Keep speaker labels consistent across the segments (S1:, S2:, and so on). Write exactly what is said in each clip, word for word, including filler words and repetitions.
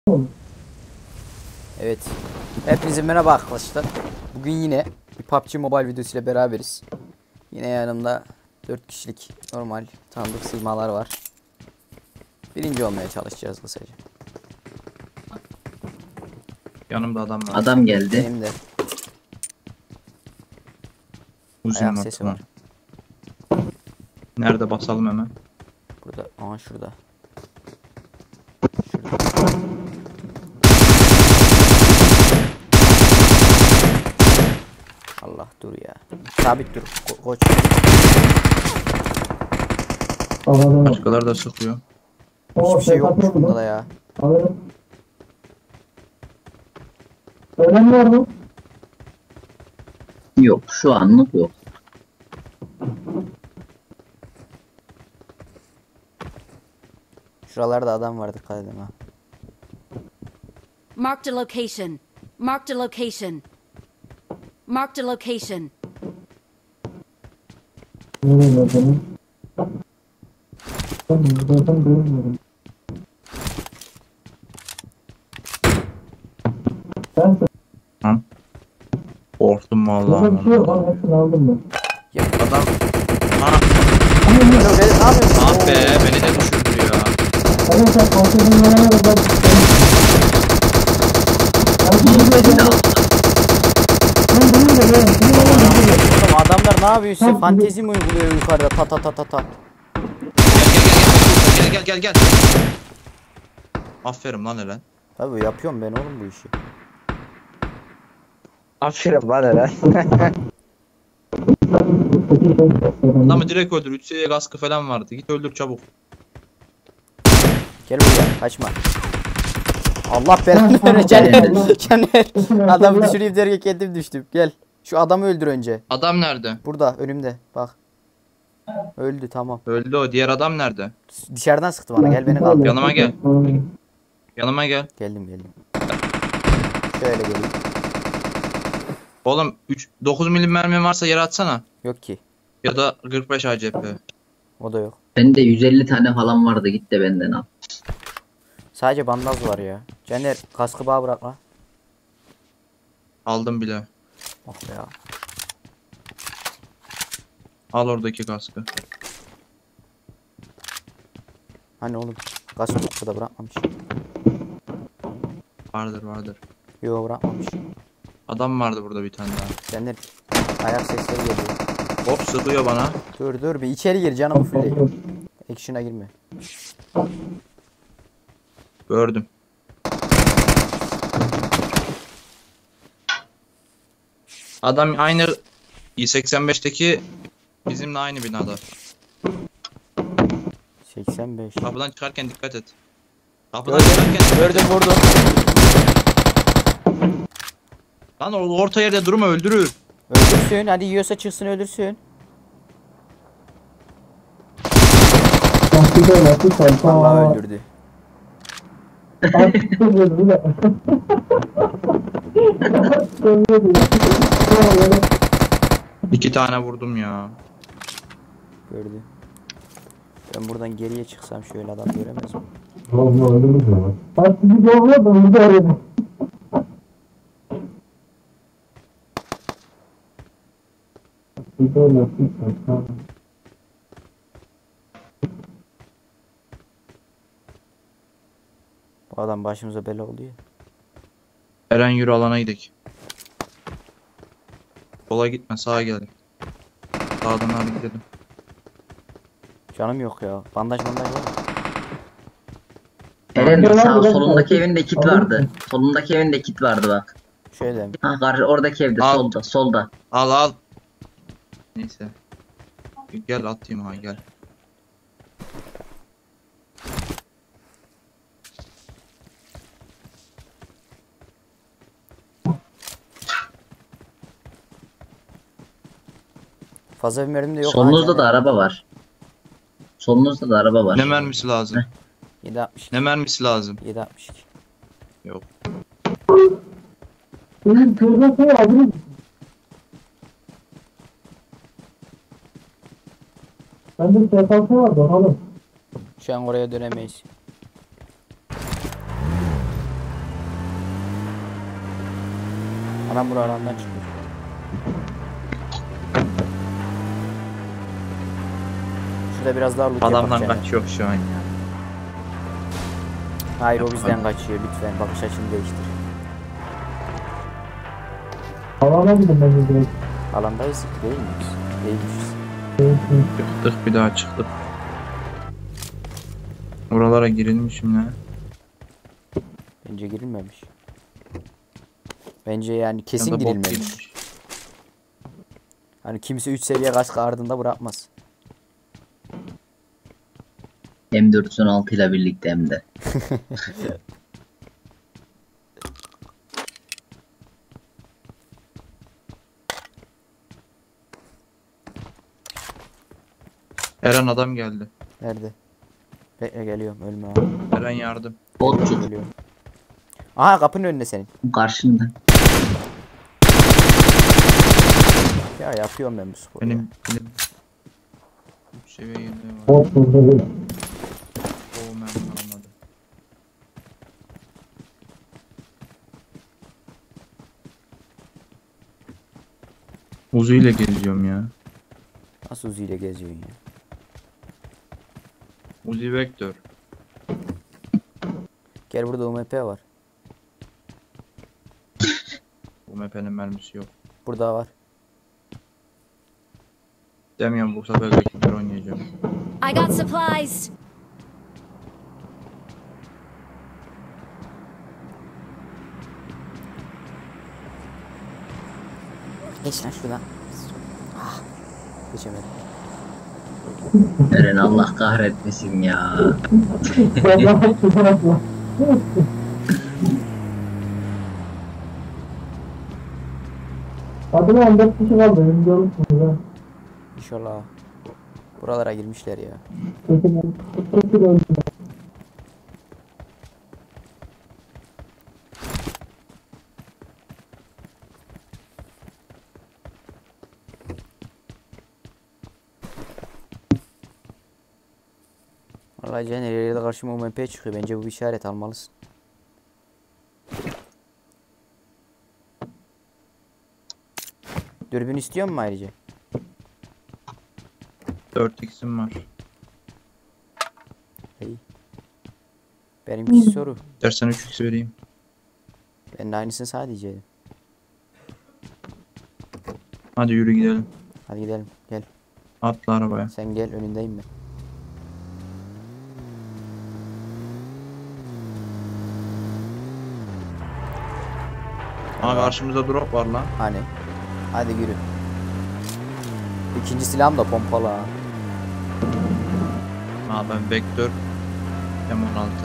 S1: Evet. Hepinize merhaba arkadaşlar. Bugün yine bir P U B G Mobile videosu ile beraberiz. Yine yanımda dört kişilik normal tanıdık sığmalar var. Birinci olmaya çalışacağız kısaca.
S2: Yanımda adam var.
S3: Adam geldi.
S1: Benim de
S2: Uzun
S1: ayak
S2: var,
S1: sesi
S2: tamam.
S1: var.
S2: Nerede basalım hemen?
S1: Burada. Aha şurada. Şurada. Allah dur ya. Sabit dur. Ko koç.
S2: Başkaları da sıkıyor.
S1: Hiçbir şey yokmuş bunda da ya.
S4: Ölen var mı?
S3: Yok, şu anlık yok.
S1: Şuralarda adam var, dikkat edin ha.
S5: Marked a location. Marked a location. Marked a location.
S4: Nereye bakalım? Ben zaten görmüyorum. Ben
S2: Tamam. Korktum
S4: burada
S2: vallahi.
S4: bir şey yok. Ben hepsini aldım ben.
S1: Ya
S2: Adam. Ha,
S1: Alo, beni ne yapıyorsun?
S2: ah be, beni de düşürdü ya.
S4: Arkadaşlar kontrolün yanına da ben...
S3: Beni de aldı.
S4: Ben bunu da ben.
S1: Oğlum adamlar ne yapıyor size? Fantezi mi uyguluyor yukarıda? Ta ta ta ta ta.
S2: Gel gel gel gel gel. Aferin lan Eren.
S1: Tabii yapıyorum ben oğlum bu işi.
S6: Aferin lan hele.
S2: Adamı direkt öldür. üç seviye kaskı falan vardı. Git öldür çabuk.
S1: Gel buraya, kaçma. Allah belanı verir Caner. Caner. Adamı düşüreyim derken kendim düştüm. Gel. Şu adamı öldür önce.
S2: Adam nerede?
S1: Burada önümde. Bak. Öldü, tamam.
S2: Öldü o. Diğer adam nerede?
S1: Dışarıdan sıktı bana. Gel beni kaldır.
S2: Yanıma gel. Yanıma gel.
S1: Geldim geldim. Şöyle geleyim.
S2: Oğlum üç, dokuz milim mermi varsa yere atsana.
S1: Yok ki.
S2: Ya da kırk beş A C P.
S1: O da yok.
S3: Bende yüz elli tane falan vardı, git de benden al.
S1: Sadece bandaj var ya. Caner kaskı bağ bırak la.
S2: Aldım bile.
S1: Oh be ya.
S2: Al oradaki kaskı.
S1: Hani oğlum. Kaskı burada bırakmamış.
S2: Vardır vardır.
S1: Yok bırakmamış.
S2: Adam vardı burada bir tane daha.
S1: Caner ayak sesleri geliyor.
S2: Hop sıkıyor bana.
S1: Dur dur bir içeri gir, canımı fulleyim. Action'a girme.
S2: Gördüm. Adam aynı i seksen beşteki bizimle aynı binada.
S1: seksen beş.
S2: Kapıdan çıkarken dikkat et. Kapıdan
S1: Gördüm,
S2: çıkarken dikkat et.
S1: gördüm vurdum.
S2: Lan o orta yerde durma, öldürür.
S1: Öldürsün, hadi yiyorsa çıksın öldürsün.
S4: Lastik ol, lastik ol.
S1: Vallahi öldürdü.
S4: Lastik ol, bir de.
S2: İki tane vurdum ya.
S1: Gördü. Ben buradan geriye çıksam şöyle adam göremez mi?
S4: Vallahi öldürürüz ya. Lastik ol, da bir de öyle. Lastik ol, lastik ol.
S1: Bu adam başımıza bela oldu ya.
S2: Eren yürü, alana gidelim. Sola gitme, sağa gel. Sağdan abi gidelim.
S1: Canım yok ya. Bandaj bandaj var mı?
S3: Eren sağ solundaki evinde kit vardı. Solundaki evinde kit vardı bak.
S1: Şöyle mi?
S3: Ha karşı oradaki evde,
S2: Al.
S3: solda solda.
S2: Al al. Neyse. Gel atayım ha, gel.
S1: Fazla bir mermim de yok.
S3: Solunuzda
S1: ha,
S3: da
S1: Caner.
S3: araba var. Solunuzda da araba var.
S2: Ne mermisi lazım?
S1: yedi altmış iki.
S2: Ne mermisi lazım?
S1: yedi altmış iki.
S2: Yok.
S4: Benim kırmızı şey alırım. Bende sefansı var, bakalım.
S1: Şu an oraya dönemeyiz. Adam buraya alandan çıktı. Şurada biraz daha loot
S2: Adamdan
S1: yapak yani.
S2: kaçıyor şu an ya.
S1: Hayır o bizden kaçıyor lütfen bakış açını değiştir.
S4: Alana gidin bence direkt.
S1: Alandayız değil miyiz? Değilmişiz.
S2: Çıktık bir daha çıktık. Oralara girilmişim ya.
S1: Bence girilmemiş. Bence yani kesin
S2: Ya da bot
S1: girilmemiş.
S2: girmiş.
S1: Hani kimse üç seviye kask ardında bırakmaz.
S3: M dört yüz on altı ile birlikte hem de.
S2: Eren adam geldi.
S1: Nerede? Bekle geliyorum ölme abi.
S2: Eren yardım.
S3: Botçuk
S1: Geliyorum. Aha kapının önünde senin.
S3: karşında.
S1: Ya yapıyorum ben bu sporu.
S2: Benim benim üç seviye yedi var.
S4: Bot burada değil.
S2: O mermi almadı. Uzi ile geziyorum ya.
S1: Nasıl Uzi ile geziyorsun ya?
S2: Uzi Vektör.
S1: Gel burada U M P var.
S2: Bu M P'nin mermisi yok.
S1: Burada var.
S2: Demiyorum bu sefer Vektör oynayacağım.
S5: I got supplies.
S1: Geç lan şuradan. Ah. Geçemedim.
S3: Eren Allah kahretmesin ya.
S4: Vallahi çıkartma. Hadi lan dört kişi kaldı. Önce olursunuz ha.
S1: İnşallah. Buralara girmişler ya.
S4: Kesin kesin öldü.
S1: Vallahi Caner her yerde karşıma U M P çıkıyor. Bence bu bir işaret almalısın. Dürbün istiyor musun ayrıca?
S2: dört x'im var.
S1: İyi. Benimki soru.
S2: Dersen üç x vereyim.
S1: Ben de aynısını sana diyeceğim.
S2: Hadi yürü gidelim.
S1: Hadi gidelim. Gel.
S2: Atla arabaya.
S1: Sen gel önündeyim ben.
S2: Aa karşımızda drop var lan.
S1: Hani. Hadi yürü. İkinci silahım da pompalı ha.
S2: Aa ben Vektör M on altı.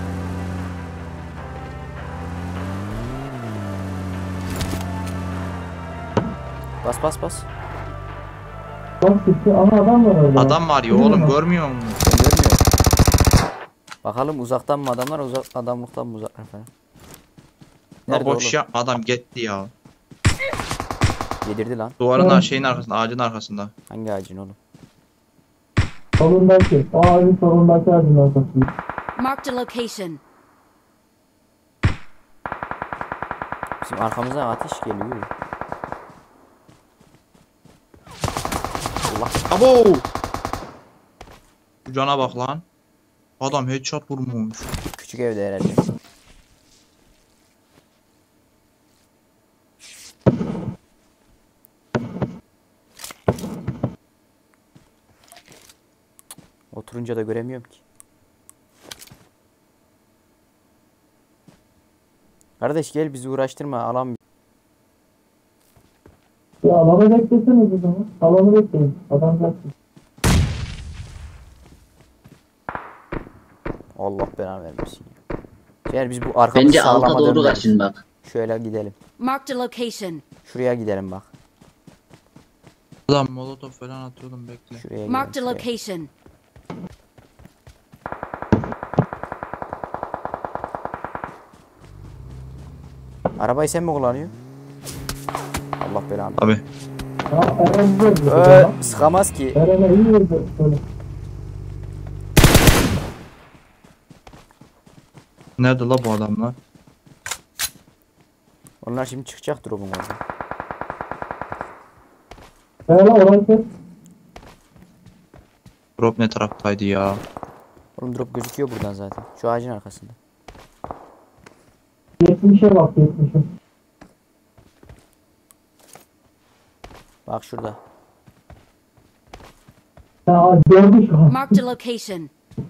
S1: Bas bas bas.
S4: Bak gitti. Aha adam var orada.
S2: Adam var ya oğlum görmüyor musun?
S1: Ben görmüyorum. Bakalım uzaktan mı adamlar uzak adamlıktan mı uzaklar falan.
S2: La
S1: Nerede
S2: boş
S1: oğlum?
S2: ya adam gitti ya.
S1: Yedirdi lan.
S2: Duvarın
S4: Oğlum.
S2: şeyin arkasında, ağacın arkasında.
S1: Hangi ağacın oğlum?
S4: Solundaki. O ağacın solundaki ağacın arkasında.
S5: Marked a location.
S1: Bizim arkamızdan ateş geliyor. Allah.
S2: Abo! Şu cana bak lan. Adam headshot vurmuş.
S1: Küçük evde herhalde. Oturunca da göremiyorum ki. Kardeş gel bizi uğraştırma alan.
S4: Ya alanı bekleseniz o zaman. Alanı bekleyin. Adam gelsin.
S1: Allah belanı vermesin ya. Gel biz bu arkamızı
S3: Bence alta
S1: sağlama
S3: doğru
S1: dönmeliyiz.
S3: kaçın bak.
S1: Şöyle gidelim.
S5: Marked a location.
S1: Şuraya gidelim bak.
S2: Adam molotof falan atıyordum bekle.
S1: Şuraya gidelim.
S5: Marked a
S1: şuraya.
S5: location.
S1: Arabayı sen mi kullanıyorsun? Allah belanı.
S2: Abi
S4: Ha Eren verdi.
S1: Ee, sıkamaz ki.
S4: Eren'e iyi verdi. Böyle.
S2: nerede la bu adamlar?
S1: Onlar şimdi çıkacak drop'un orada.
S4: Ben lan orayı kes.
S2: Drop ne taraftaydı ya?
S1: Oğlum drop gözüküyor buradan zaten. Şu ağacın arkasında.
S4: Yetmişe bak yetmişe.
S1: Bak şurada.
S4: Ya gördü şu an.
S5: Marked a location.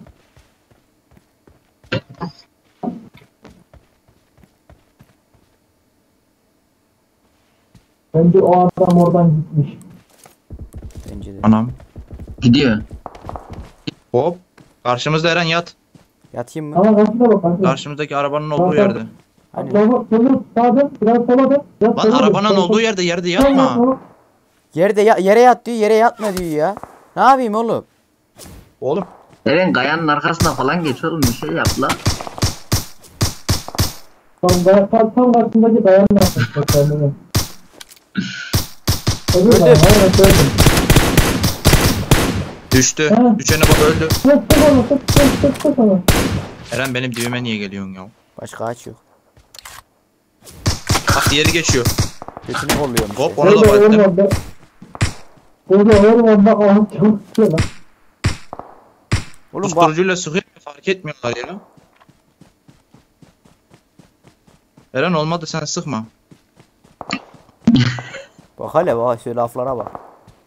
S4: Bence o adam oradan gitmiş.
S1: Bence de.
S2: Anam.
S3: Gidiyor.
S2: Hop. Karşımızda Eren yat.
S1: Yatayım mı?
S4: Ama karşıda bak karşıda.
S2: Karşımızdaki arabanın olduğu yerde.
S1: Hani
S4: Sola, sola, sağda, biraz sola da. Biraz
S2: Lan
S4: sola da.
S2: arabanın
S4: Sola,
S2: olduğu yerde yerde
S4: sola,
S2: yatma.
S4: sola.
S1: yerde ya, yere yat diyor, yere yatma diyor ya. Ne yapayım oğlum?
S2: Oğlum.
S3: Eren kayanın arkasına falan geç oğlum, bir şey yap la.
S4: Tam, tam, tam, tam karşısındaki dayanma yapmış. Bak kendine. Öbür
S1: Öldü.
S4: dayan, evet öldüm.
S2: Düştü.
S4: Ha.
S2: Düşene bak öldü.
S4: Tık tık ona, tık tık tık tık ona.
S2: Eren benim dibime niye geliyorsun ya?
S1: Başka ağaç yok.
S2: Bak diğeri geçiyor.
S1: Götünü kolluyormuş.
S2: Hop,
S1: ya.
S2: onu da
S4: Orada
S2: baktım.
S4: ormanda. Orada ormanda ağaç çalışıyor lan.
S1: Oğlum bak.
S2: Susturucuyla sıkıyor fark etmiyorlar ya. Eren olmadı sen sıkma.
S1: Bak hele bak şu laflara bak.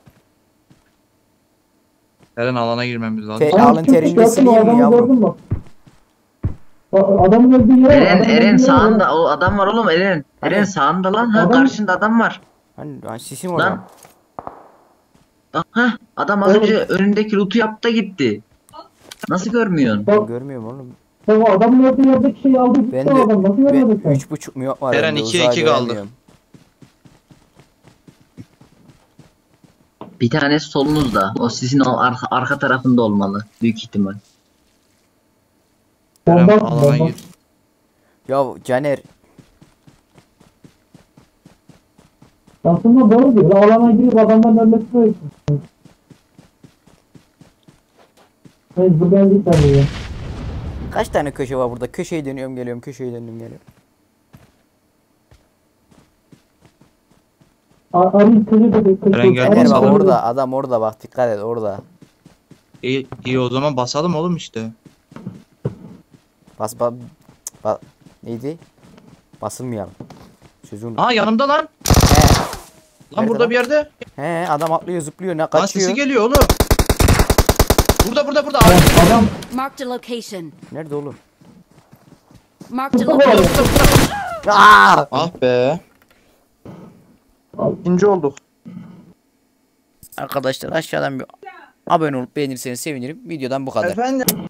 S2: Eren alana girmemiz lazım.
S1: Te-
S4: Adam
S1: alın
S4: çıkmış,
S1: terini
S4: gördün mü?
S1: sileyim mi
S4: Adamı
S1: yavrum?
S4: gördün mü? A- Adamın öldüğü yere bak,
S3: Eren,
S4: adamın
S3: Eren
S4: öldüğü yere
S3: sağında,
S4: bak.
S3: o adam var oğlum Eren. Eren
S1: Hani?
S3: sağında lan, ha
S4: Adam-
S3: karşında adam var.
S1: Hani, hani sisim orada.
S3: Lan. Bak ha, adam az
S4: Oğlum.
S3: önce önündeki loot'u yaptı da gitti. Nasıl görmüyorsun?
S1: Ben
S4: Bak,
S1: görmüyorum oğlum.
S4: sen o adamın öldüğü yerdeki şeyi aldı gitti
S1: Ben
S4: o adam. Nasıl
S1: de
S4: görmedin sen?
S1: ben üç buçuk mu yok var.
S2: Eren
S1: bende,
S2: ikiye
S1: uzağa
S2: iki kaldı.
S1: göremiyorum.
S3: Bir tanesi solunuzda. O sizin o arka, arka tarafında olmalı. Büyük ihtimal.
S2: Eren
S4: Bomba,
S2: alana
S4: bomba.
S2: gir.
S1: Ya Caner
S4: Aslında doğru diyor. Alana girip adamdan ölmesi de için. Mecbur geldik sen buraya.
S1: kaç tane köşe var burada? Köşeyi dönüyorum geliyorum, köşeyi dönüyorum geliyorum.
S4: A- Arayı kızı dedi. kızı-
S2: Eren geldi.
S1: Caner
S2: Nasıl
S1: bak
S2: var?
S1: orada, adam orada bak, dikkat et orada.
S2: İyi, iyi o zaman basalım oğlum işte.
S1: Bas bas bas neydi? Basılmayalım. Sözün.
S2: Aa yanımda lan.
S1: He.
S2: Lan
S1: Nerede
S2: burada
S1: lan?
S2: bir yerde.
S1: He, adam atlıyor, zıplıyor, ne
S2: Lan
S1: kaçıyor?
S2: sesi geliyor oğlum. Burada burada burada.
S4: Adam, adam
S5: Marked a location.
S1: Nerede oğlum?
S5: Marked a
S4: burada bu
S5: location.
S4: arada.
S1: Aa!
S2: Ah be. İkinci olduk.
S1: Arkadaşlar aşağıdan bir abone olup beğenirseniz sevinirim. Videodan bu kadar.
S2: Efendim.